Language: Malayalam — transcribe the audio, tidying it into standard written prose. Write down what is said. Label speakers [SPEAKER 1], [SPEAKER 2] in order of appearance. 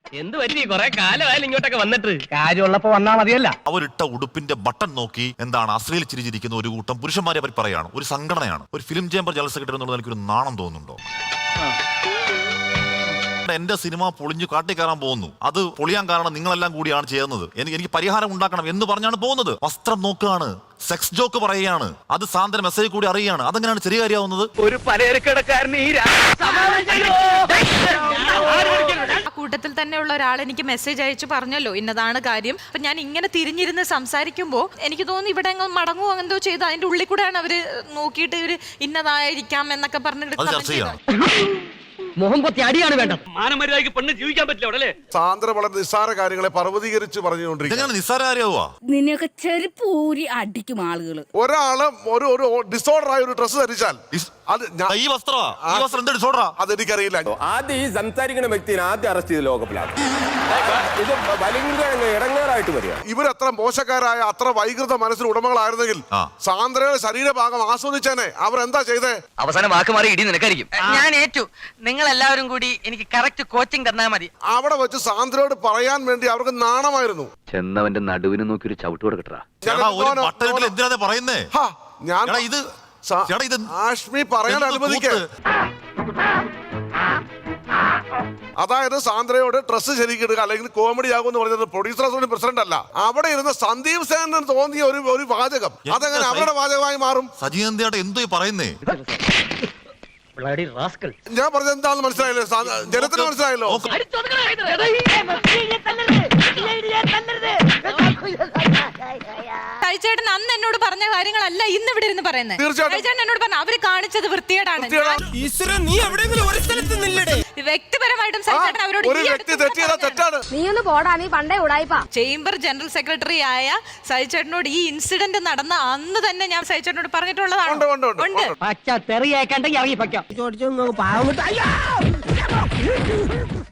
[SPEAKER 1] എന്ത് പറ്റി കുറെ കാലമായാലും ഇങ്ങോട്ടൊക്കെ വന്നിട്ട്?
[SPEAKER 2] കാര്യമുള്ളപ്പോ വന്നാ മതിയല്ല.
[SPEAKER 3] അവരിട്ട ഉടുപ്പിന്റെ ബട്ടൺ നോക്കി എന്താണ് അശ്ലീൽ ചിരിച്ചിരിക്കുന്ന ഒരു കൂട്ടം പുരുഷന്മാരെ അവർ പറയാണ്. ഒരു സംഘടനയാണ്. ഒരു ഫിലിം ചേംബർ ജനറൽ സെക്രട്ടറി എന്നുള്ളത് എനിക്കൊരു നാണം തോന്നുന്നുണ്ടോ? എന്റെ സിനിമ പൊളിഞ്ഞു കാട്ടിക്കയറാൻ പോകുന്നു, അത് പൊളിയാൻ കാരണം നിങ്ങളെല്ലാം കൂടിയാണ് ചെയ്യുന്നത്, എനിക്ക് പരിഹാരം ഉണ്ടാക്കണം എന്ന് പറഞ്ഞാണ് പോകുന്നത്. വസ്ത്രം നോക്കുകയാണ്, സെക്സ് ജോക്ക് പറയുകയാണ്, അത് സാന്ദ്ര മെസ്സേജ് കൂടി അറിയുകയാണ്. അതെങ്ങനെയാണ് ശരി കാര്യമാവുന്നത്?
[SPEAKER 1] ഒരു പലചരക്കടക്കാരന്
[SPEAKER 4] കൂട്ടത്തിൽ തന്നെയുള്ള ഒരാൾ എനിക്ക് മെസ്സേജ് അയച്ചു പറഞ്ഞല്ലോ ഇന്നതാണ് കാര്യം. അപ്പൊ ഞാൻ ഇങ്ങനെ തിരിഞ്ഞിരുന്ന് സംസാരിക്കുമ്പോൾ എനിക്ക് തോന്നി ഇവിടെ മടങ്ങുമോ എന്തോ ചെയ്ത് അതിന്റെ ഉള്ളിൽ കൂടെയാണ് അവര് നോക്കിയിട്ട് ഇവര് ഇന്നതായിരിക്കാം എന്നൊക്കെ പറഞ്ഞിട്ട്
[SPEAKER 2] മുഖം പൊത്തി അടിയാണ് വേണ്ടത്.
[SPEAKER 1] മാനമര്യാദയ്ക്ക് പെണ്ണ് ജീവിക്കാൻ പറ്റില്ല അവിടെ.
[SPEAKER 5] സാന്ദ്ര വളരെ നിസ്സാര കാര്യങ്ങളെ പർവ്വതീകരിച്ച് പറഞ്ഞുകൊണ്ടിരിക്കുക.
[SPEAKER 3] നിസ്സാര കാര്യമാവാ?
[SPEAKER 6] നിന്നെയൊക്കെ ചെരുപ്പ് ഊരി അടിക്കും ആളുകള്.
[SPEAKER 5] ഒരാള് ഒരു ഡിസോർഡർ ആയ ഒരു ഡ്രസ് ധരിച്ചാൽ അത്
[SPEAKER 3] ഈ വസ്ത്രം എന്താ ഡിസോർഡറാ?
[SPEAKER 5] അതെനിക്കറിയില്ല.
[SPEAKER 7] ആദ്യം ഈ സംസാരിക്കുന്ന വ്യക്തിയെ ആദ്യം അറസ്റ്റ് ചെയ്ത് ലോകപ്പിലാണ്. ഇത് ഭയങ്കര ഇടങ്ങേറായിട്ട് വരിക.
[SPEAKER 5] ഇവരത്ര മോശക്കാരായ അത്ര വൈകൃത മനസ്സിന് ഉടമകളായിരുന്നെങ്കിൽ സാന്ദ്രയുടെ ശരീരഭാഗം ആസ്വദിച്ചേനെ. അവരെന്താ ചെയ്തേ?
[SPEAKER 1] അവസാനം വാക്ക് മാറി ഇടി നിനക്കായിരിക്കും. ഞാൻ ഏറ്റു. നിങ്ങൾ എല്ലാവരും കൂടി എനിക്ക് കറക്റ്റ് കോച്ചിങ് തന്നാ മതി.
[SPEAKER 5] അവിടെ വെച്ച് സാന്ദ്രയോട് പറയാൻ വേണ്ടി അവർക്ക് നാണമായിരുന്നു.
[SPEAKER 8] ചെന്നവന്റെ നടുവിന് നോക്കി ഒരു ചവിട്ട് കൊടുക്കട്ടാ.
[SPEAKER 3] എന്തിനാ പറയുന്നേ?
[SPEAKER 5] ആഷ്മി പറയാൻ അനുവദിക്കേ. അതായത് സാന്ദ്രയോട് ഡ്രസ്സ് ശരിക്കിടുക അല്ലെങ്കിൽ കോമഡി ആകും എന്ന് പറഞ്ഞത് പ്രൊഡ്യൂസർ അസോസിയേഷൻ പ്രസിഡന്റ് അല്ല, അവിടെ ഇരുന്ന സന്ദീപ് സേനന് തോന്നിയ ഒരു വാചകം. അതെങ്ങനെ അവരുടെ വാചകമായി മാറും?
[SPEAKER 3] സജീവന്തിയായിട്ട് എന്തോ പറയുന്നേ?
[SPEAKER 5] ഞാൻ പറഞ്ഞത് എന്താണെന്ന് മനസ്സിലായല്ലോ? ജനത്തിന് മനസ്സിലായല്ലോ?
[SPEAKER 4] ചേട്ടൻ അന്ന് എന്നോട് പറഞ്ഞ കാര്യങ്ങളല്ല ഇന്ന് ഇവിടെ ഇരുന്ന് പറയുന്നത്. ചേട്ടൻ എന്നോട് പറഞ്ഞു അവര് കാണിച്ചത് വൃത്തികേടാണ്. വ്യക്തിപരമായിട്ടും അവരോട്
[SPEAKER 6] നീ ഒന്ന് പോടാ, നീ പണ്ടേ ഉടായിപ്പാ.
[SPEAKER 4] ചേംബർ ജനറൽ സെക്രട്ടറി ആയ സജിചേട്ടനോട് ഈ ഇൻസിഡന്റ് നടന്ന അന്ന് തന്നെ ഞാൻ സജിചേട്ടനോട് പറഞ്ഞിട്ടുള്ളതാണ്.
[SPEAKER 2] പച്ച തെറിയേക്കണ്ടെങ്കിൽ ഇറങ്ങി പയ്ക്കാം.